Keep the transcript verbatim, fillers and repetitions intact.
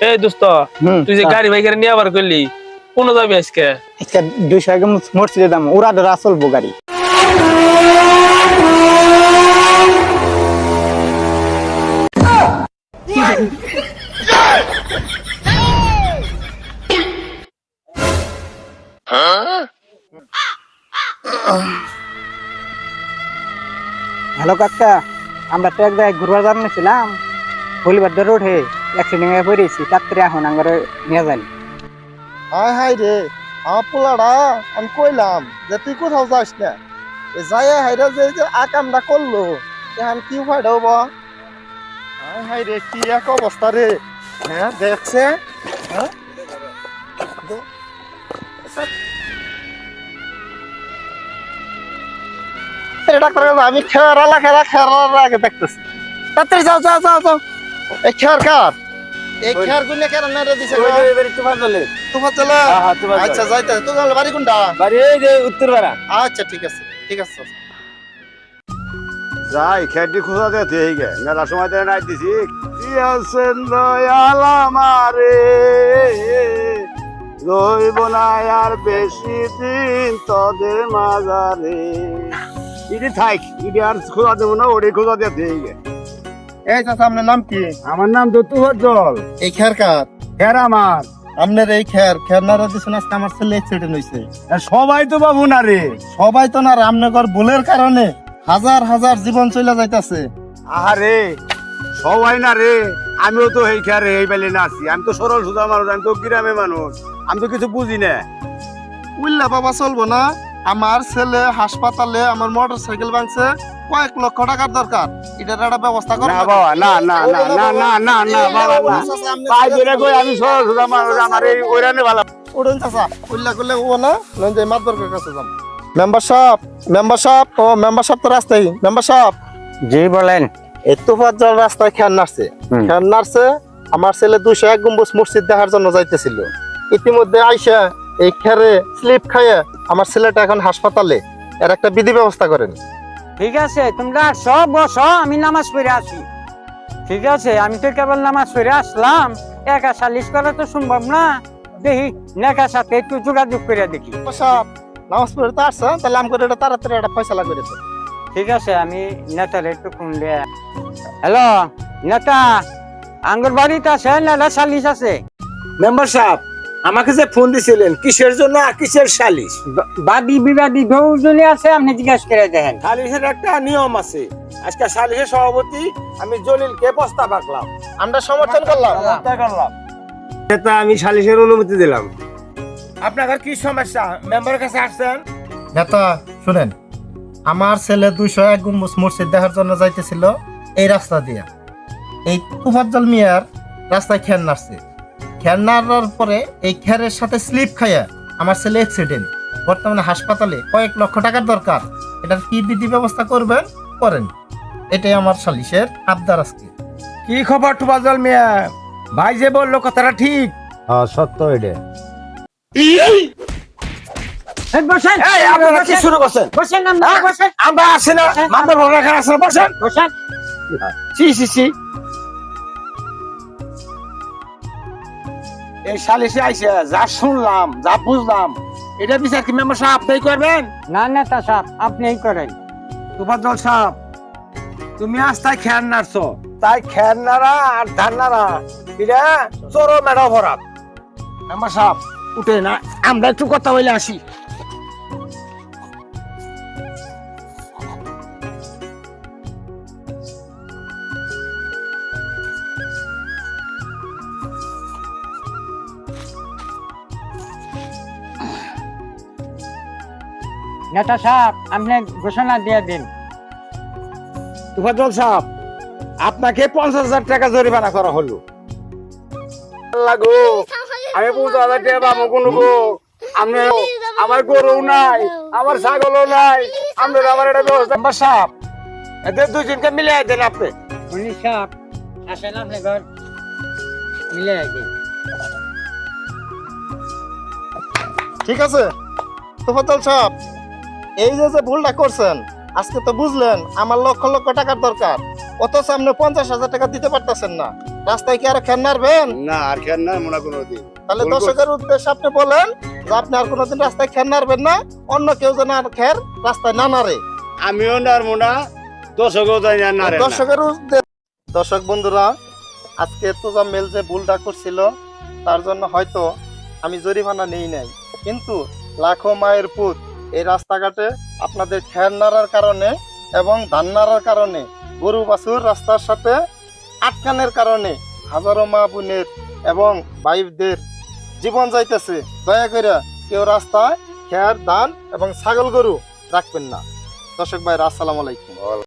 এই দোস্ত তুই যে গাড়ি ভাই করে নিয়ে আবার করলি কোন যাবি আজকে? আজকে দুইশো টাকা মসজিদে দাম ওরা ধরা চলবো গাড়ি। হ্যালো কাকা, আমরা তো এক জায়গায় ঘুরবার জানিয়েছিলাম, হলিবার ধরে উঠে অ্যাক্সিডেন্ট হয়ে পড়েছি, তাড়াতাড়ি এখন আঙ্গারে নিয়ে যাই। হাই হাই রে আমার পোলাটা আমি কইলাম যে তুই কোথাও যাস না, যাই হাইরা যে যে আকামটা করলো এখন কি ফায়দা হবো? হাই হাই রে কি এক অবস্থা রে। হ্যাঁ দেখছে হ্যাঁ ডাক্তার আমি খেয়ারা খেলা খেয়ার আগে দেখতেছি। তাড়াতাড়ি যাও যাও যাও যাও। এই খেয়ার কার এই খেয়ার গুনে কেন না রে দিছে? তোমার চলে তোমার চলে। আচ্ছা যাইতে তোমার বাড়ি কোনটা? বাড়ি এই যে উত্তরপাড়া। আচ্ছা ঠিক আছে ঠিক আছে। যাই খেয়ারটি খোঁজা দেতে এই গে মেলা সময় ধরে নাই দিছি। কি আছেন দয়াল আমারে রইব না আর বেশি দিন তোদের মাজারে। ইডি থাক ইডি আর খোঁজা দেবো না, ওরে খোঁজা দেতে এই গে। এই চাচা আপনার নাম কি? আমার নাম দত্তুহর জল। এই খেয়ার কার? খের আমার। আপনার এই খেয়ার খেয়ার নারা দিছেন আজকে আমার ছেলে অ্যাক্সিডেন্ট হইছে। সবাই তো বাবু না রে। সবাই তো না রামনগর ভুলের কারণে হাজার হাজার জীবন চলে যাইতাছে। আরে সবাই না রে, আমিও তো এই খেয়ারে এই বেলে না আছি। আমি তো সরল সুদা মানুষ, আমি তো গ্রামে মানুষ, আমি তো কিছু বুঝি না। উল্লা বাবা চলবো না। আমার ছেলে হাসপাতালে আমার মোটর সাইকেল ভাঙছে, কয়েক লক্ষ টাকার দরকার। এটার একটা ব্যবস্থা করো না বাবা, না না না না না না না বাবা না। পাই ধরে কই আমি সরল সুদা মানুষ, আমার এই ওইরানে ভালো। উড়ুন চাচা উল্লা করলে ও না নন যে মাতবরকের কাছে যাম। মেম্বার সাহেব মেম্বার সাহেব ও মেম্বার সাহেব তো রাস্তায়। মেম্বার সাহেব জি বলেন। এই তোফাত জল রাস্তায় খেয়ার নাড়ছে খেয়ার নাড়ছে আমার ছেলে দুইশো এক গম্বুজ মসজিদ দেখার জন্য যাইতেছিল। ইতিমধ্যে আইসা এই খেরে স্লিপ খাইয়ে আমার ছেলেটা এখন হাসপাতালে। এর একটা বিধি ব্যবস্থা করেন। ঠিক আছে, তোমরা সব বসো, আমি নামাজ পড়ে আসি। ঠিক আছে, আমি তো কেবল নামাজ পড়ে আসলাম, একা সালিশ করা তো সম্ভব না। দেখি নেকার সাথে একটু যোগাযোগ করে দেখি। সাহেব নামাজ পড়ে তো আসছে, তাহলে আমি করে এটা তাড়াতাড়ি একটা ফয়সালা করে দেন। ঠিক আছে, আমি নেতার একটু ফোন দিয়ে। হ্যালো নেতা, আঙ্গুর বাড়িতে আছে না সালিশ আছে? মেম্বার সাহেব আমাকে যে ফোন দিছিলেন কিসের জন্য, কিসের সালিশ? বাদী বিবাদী দুজনে আছে, আপনি জিজ্ঞাসা করে দেখেন। সালিশের একটা নিয়ম আছে। আজকে সালিশের সভাপতি আমি জলিলকে প্রস্তাব রাখলাম, আমরা সমর্থন করলাম। করলাম নেতা, আমি সালিশের অনুমতি দিলাম। আপনার কি সমস্যা মেম্বারের কাছে আসছেন? নেতা শুনেন, আমার ছেলে দুইশো এক গম্বুজ মসজিদ দেখার জন্য যাইতেছিল এই রাস্তা দিয়া। এই তুফাজ্জল মিয়ার রাস্তায় খেয়ার নাড়ছে। খেয়ার নাড়ার পরে এই খেয়ারের সাথে স্লিপ খাইয়া আমার ছেলে অ্যাক্সিডেন্ট। বর্তমানে হাসপাতালে, কয়েক লক্ষ টাকার দরকার। এটার কি বিধি ব্যবস্থা করবেন করেন। এটাই আমার সালিশের আবদার আজকে। কি খবর তুফাজ্জল মিয়া? ভাই যে বললো কথাটা ঠিক? হ্যাঁ সত্য এটা। বসেন, এই আপনারা কি শুরু করছেন? বসেন, আমরা বসেন। আমরা আসি না, মামদার ভোট রাখা আছে, বসেন বসেন। সি সি সি। এই সালিশে আইসে যা শুনলাম, যা বুঝলাম, এটা বিচার কি মেম্বার সাহেব আপনি করবেন? না নেতা সাহেব, আপনিই করেন। তুফাজ্জল সাহেব তুমি আজ তাই খেয়ার নাড়ছো, তাই খেয়ার নাড়া আর ধান নাড়া এটা চরম একটা অপরাধ। মেম্বার সাহেব উঠে না, আমরা একটু কথা বলে আসি। নেতা সাহেব আপনি ঘোষণা দিয়ে দিন। তুফাজ্জল সাহেব আপনাকে পঞ্চাশ হাজার টাকা জরিমানা করা হলো। লাগো আমি পঞ্চাশ হাজার টাকা পাবো কোন গো? আমি আমার গরু নাই, আমার ছাগলও নাই, আপনার আমার একটা ব্যবস্থা। মেম্বার সাহেব এদের দুজনকে মিলে দেন আপনি। উনি সাহেব আসেন, আপনি ঘর মিলে দিন। ঠিক আছে তোফাজ্জল সাহেব, এই যে যে ভুলটা করছেন আজকে তো বুঝলেন আমার লক্ষ লক্ষ টাকার দরকার, অথচ আপনি পঞ্চাশ হাজার টাকা দিতে পারতেছেন না। রাস্তায় কি আর খেন নাড়বেন? না আর খেয়াল না মনে কোনো দিন তাহলে বলবো। দর্শকের উদ্দেশ্যে আপনি বলেন যে আপনি আর কোনোদিন রাস্তায় খেন নাড়বেন না, অন্য কেউ যেন আর খের রাস্তায় না নাড়ে। আমিও নারবো না, দর্শকও তাই না নারে না। দর্শকের উদ্দেশ্যে দর্শক বন্ধুরা, আজকে তোজা মেল যে ভুলটা করছিল তার জন্য হয়তো আমি জরিমানা নেই নাই, কিন্তু লাখো মায়ের পুত এই রাস্তাঘাটে আপনাদের খের নাড়ার কারণে এবং ধান নাড়ার কারণে গরু বাছুর রাস্তার সাথে আটকানের কারণে হাজারো মা বোনের এবং ভাইদের জীবন যাইতেছে। দয়া করে কেউ রাস্তায় খের ধান এবং ছাগল গরু রাখবেন না। দর্শক ভাইরা, আসসালামু আলাইকুম।